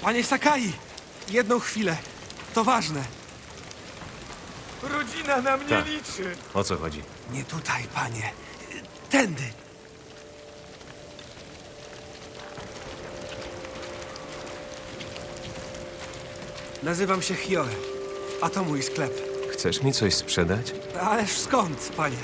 Panie Sakai! Jedną chwilę. To ważne. Rodzina na mnie Tak. liczy. O co chodzi? Nie tutaj, panie. Tędy. Nazywam się Hioe, a to mój sklep. Chcesz mi coś sprzedać? Ależ skąd, panie?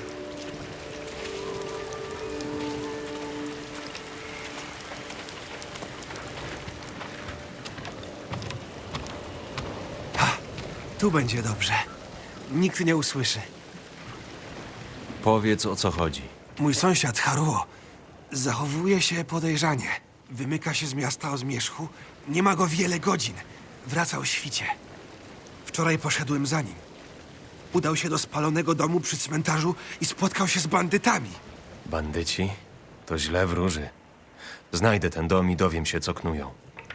Ha, tu będzie dobrze. Nikt nie usłyszy. Powiedz, o co chodzi. Mój sąsiad Haruo zachowuje się podejrzanie. Wymyka się z miasta o zmierzchu. Nie ma go wiele godzin. Wraca o świcie. Wczoraj poszedłem za nim. Udał się do spalonego domu przy cmentarzu i spotkał się z bandytami. Bandyci? To źle wróży. Znajdę ten dom i dowiem się, co knują.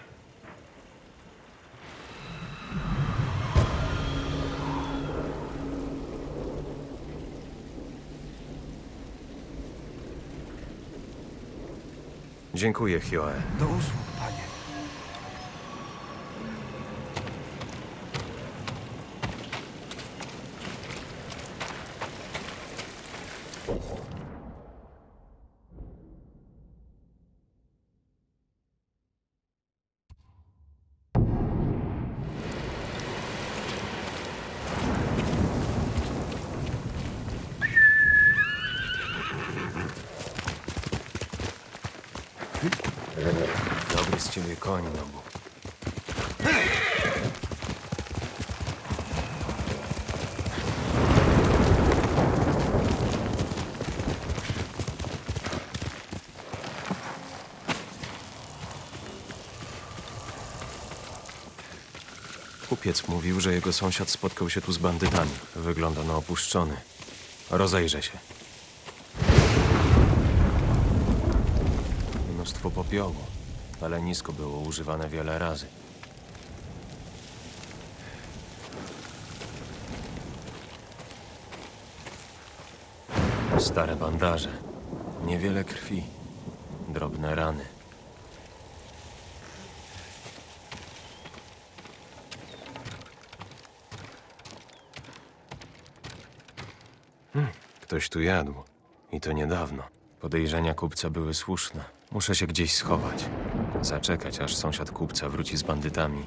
Dziękuję, Hioe. Do usług, panie. Dobry z ciebie koń, Nobu. Kupiec mówił, że jego sąsiad spotkał się tu z bandytami. Wygląda na opuszczony. Rozejrzę się. Mnóstwo popiołu. Palenisko było używane wiele razy. Stare bandaże. Niewiele krwi. Drobne rany. Ktoś tu jadł. I to niedawno. Podejrzenia kupca były słuszne. Muszę się gdzieś schować. Zaczekać, aż sąsiad kupca wróci z bandytami.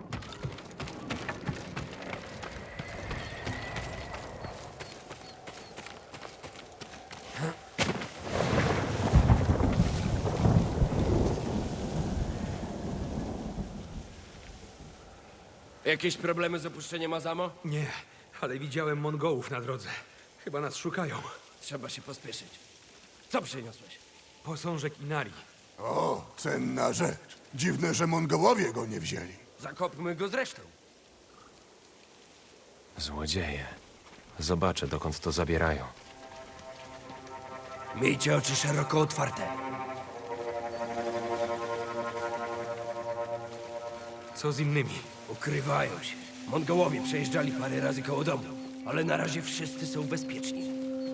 Jakieś problemy z opuszczeniem Azamo? Nie, ale widziałem Mongołów na drodze. Chyba nas szukają. Trzeba się pospieszyć. Co przyniosłeś? Posążek Inari. O, cenna rzecz. Dziwne, że Mongołowie go nie wzięli. Zakopmy go zresztą. Złodzieje. Zobaczę, dokąd to zabierają. Miejcie oczy szeroko otwarte. Co z innymi? Ukrywają się. Mongołowie przejeżdżali parę razy koło domu, ale na razie wszyscy są bezpieczni.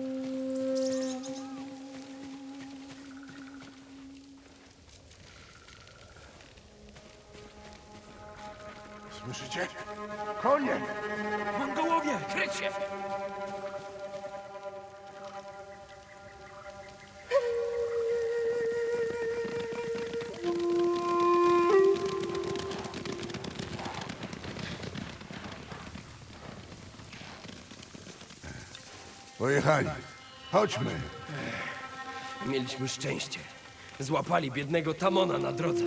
Słyszycie? Konie! Mongołowie! Kryć się! Pojechali. Chodźmy. Mieliśmy szczęście. Złapali biednego Tamona na drodze.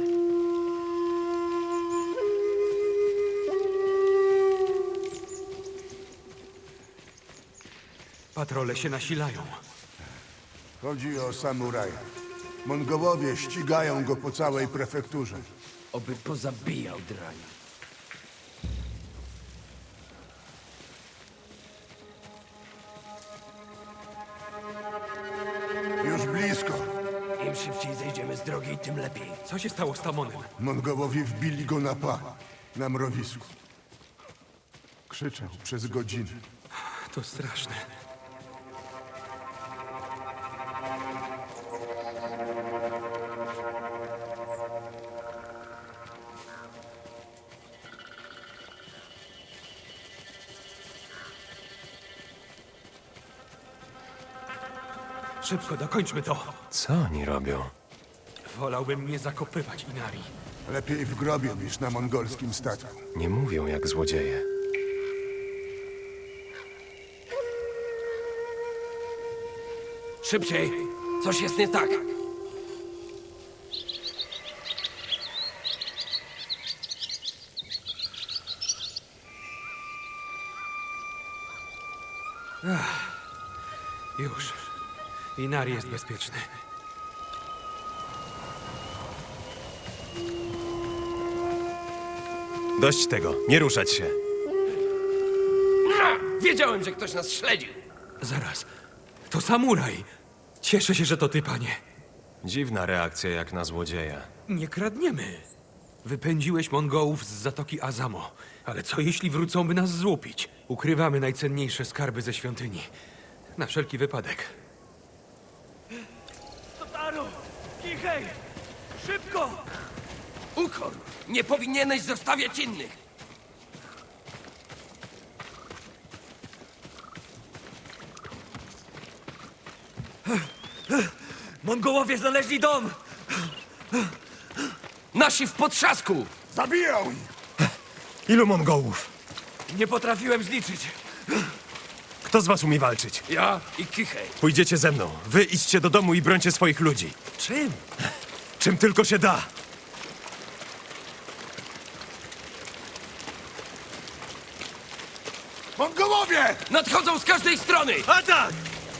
Patrole się nasilają. Chodzi o samuraja. Mongołowie ścigają go po całej prefekturze. Oby pozabijał drani. Już blisko. Im szybciej zejdziemy z drogi, tym lepiej. Co się stało z Tamonem? Mongołowie wbili go na pach, na mrowisku. Krzyczał przez godziny. To straszne. Szybko, dokończmy to. Co oni robią? Wolałbym nie zakopywać Inari. Lepiej w grobie niż na mongolskim statku. Nie mówią jak złodzieje. Szybciej! Coś jest nie tak. Już. Inari jest bezpieczny. Dość tego, nie ruszać się. Wiedziałem, że ktoś nas śledził. Zaraz. To samuraj. Cieszę się, że to ty, panie. Dziwna reakcja jak na złodzieja. Nie kradniemy. Wypędziłeś Mongołów z Zatoki Azamo. Ale co jeśli wrócą, by nas złupić? Ukrywamy najcenniejsze skarby ze świątyni. Na wszelki wypadek. Totaro! Kichej! Szybko! Ukor! Nie powinieneś zostawiać innych! Mongołowie znaleźli dom! Nasi w potrzasku! Zabiją ich! Ilu Mongołów? Nie potrafiłem zliczyć. Kto z was umie walczyć? Ja i Kichej. Pójdziecie ze mną. Wy idźcie do domu i brońcie swoich ludzi. Czym? Czym tylko się da. Mongołowie! Nadchodzą z każdej strony! Atak!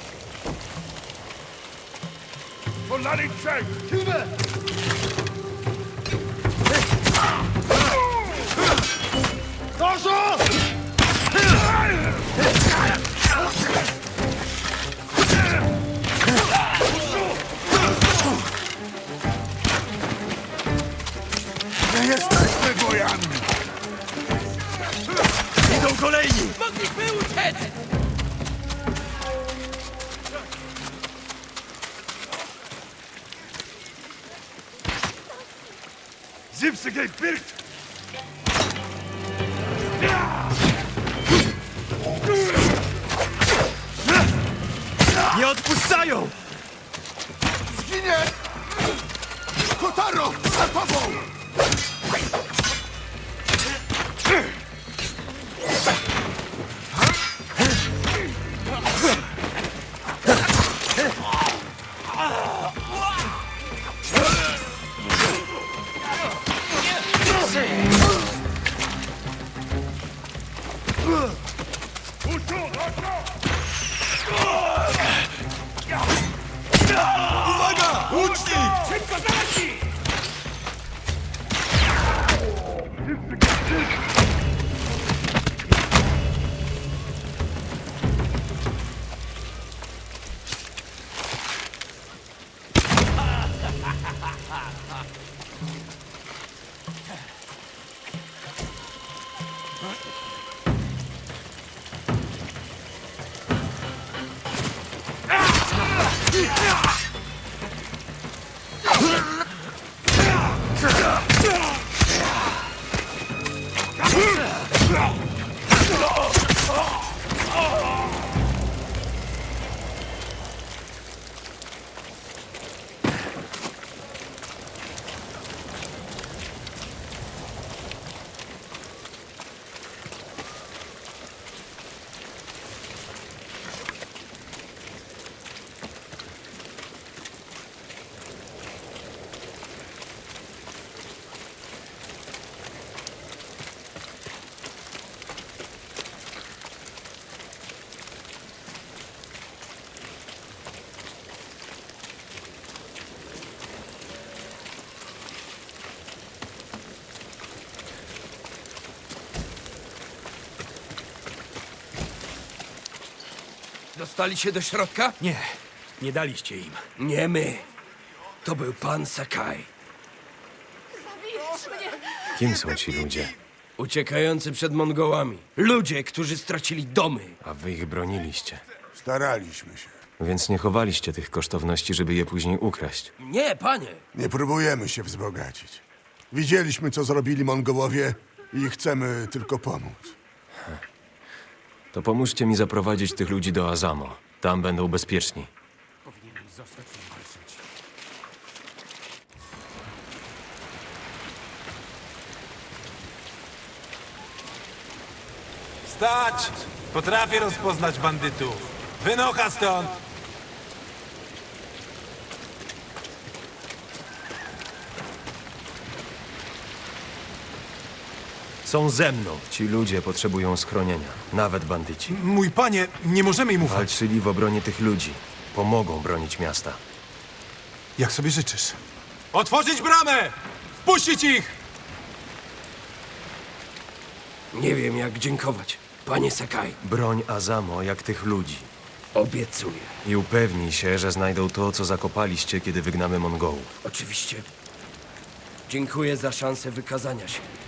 Polali trzech! Siłę! Doszło! Nie jesteśmy wojami! Idą kolejni! Mogliśmy uciec! Zipsygej Pirt! Nie odpuszczają! Zginie! Kotaro! Za tobą! Uwaga! Łucznik! Szybko znaleźli! Dostali się do środka? Nie, nie daliście im. Nie my. To był pan Sakai. Kim są ci ludzie? Uciekający przed Mongołami. Ludzie, którzy stracili domy. A wy ich broniliście. Staraliśmy się. Więc nie chowaliście tych kosztowności, żeby je później ukraść. Nie, panie. Nie próbujemy się wzbogacić. Widzieliśmy, co zrobili Mongołowie i chcemy tylko pomóc. To pomóżcie mi zaprowadzić tych ludzi do Azamo. Tam będą bezpieczni. zostać i walczyć. Stać! Potrafię rozpoznać bandytów. Wynocha stąd! Są ze mną. Ci ludzie potrzebują schronienia. Nawet bandyci. Mój panie, nie możemy im ufać. Walczyli w obronie tych ludzi. Pomogą bronić miasta. Jak sobie życzysz. Otworzyć bramę! Wpuścić ich! Nie wiem, jak dziękować. Panie Sakai, Broń Azamo jak tych ludzi. obiecuję. I upewnij się, że znajdą to, co zakopaliście, kiedy wygnamy Mongołów. Oczywiście. Dziękuję za szansę wykazania się.